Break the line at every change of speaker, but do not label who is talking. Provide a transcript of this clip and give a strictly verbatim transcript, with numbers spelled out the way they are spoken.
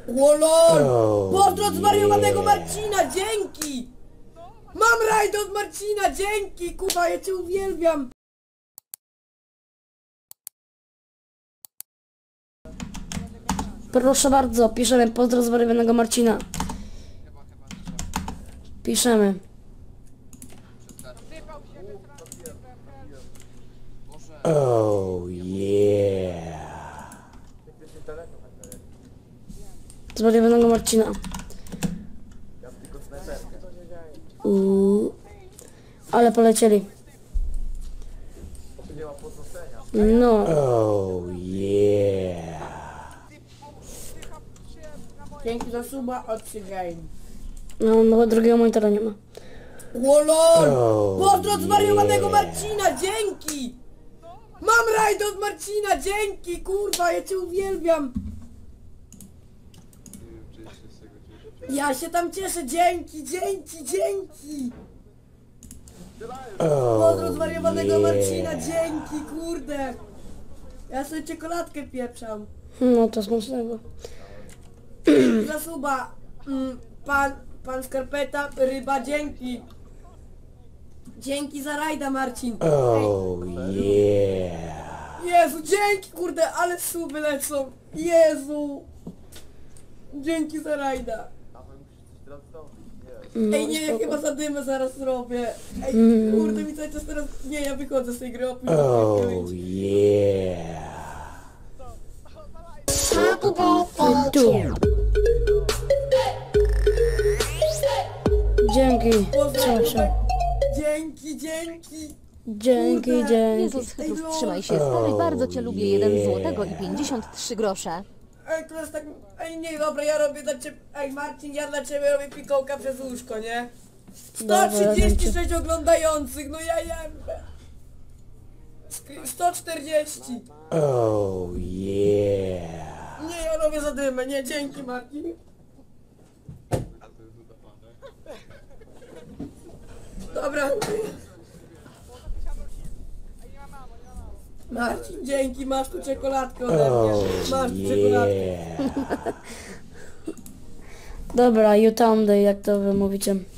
Łolol!
Oh,
Pozdro od zwariowanego
yeah.
Marcina, dzięki! Mam rajd od Marcina, dzięki! Kuba, ja cię uwielbiam!
Proszę bardzo, piszemy pozdro zwariowanego Marcina. Piszemy.
Oh yeah.
Zwariowanego Marcina. Uuu. Ale polecieli. No.
Oh yeah.
Dzięki za suba od Game.
No, no drugiego monitora nie ma.
Łolol!
Oh,
Pozdro od zwariowanego
yeah.
Marcina, dzięki! Mam rajd od Marcina, dzięki! Kurwa, ja cię uwielbiam! Ja się tam cieszę, dzięki, dzięki, dzięki! Pozdro od
Oh
zwariowanego Marcina,
yeah.
dzięki, kurde! Ja sobie czekoladkę pieprzam.
No to smacznego.
Za suba, mm, pan, pan Skarpeta, ryba, dzięki! Dzięki za rajda, Marcin!
Oh yeah.
Jezu, dzięki, kurde, ale suby lecą! Jezu! Dzięki za rajda!
No,
Ej, nie, ja
spoko.
chyba zadymę zaraz zrobię. Ej,
Mm.
kurde, mi cały czas teraz... Nie, ja wychodzę z tej gry, opuść
Oh
to.
yeah.
Tu. Dzięki. Cieszę.
Dzięki, dzięki!
Dzięki,
Kurde.
dzięki.
Jezus Chrystus, trzymaj się stary, bardzo cię lubię, jeden
yeah.
złotego i pięćdziesiąt trzy grosze.
Ej, to jest tak... Ej, nie, dobra, ja robię dla ciebie... Ej, Marcin, ja dla ciebie robię pikołka przez łóżko, nie?
Dobra,
sto trzydzieści sześć oglądających, no ja jebę! Skry- sto czterdzieści!
Oh yeah.
Nie, ja robię zadymę, nie, dzięki, Marcin. Dobra. Marcin, dzięki, masz tu czekoladkę ode mnie.
Oh
Masz tu czekoladkę.
yeah.
Dobra, you Day, jak to wy mówicie.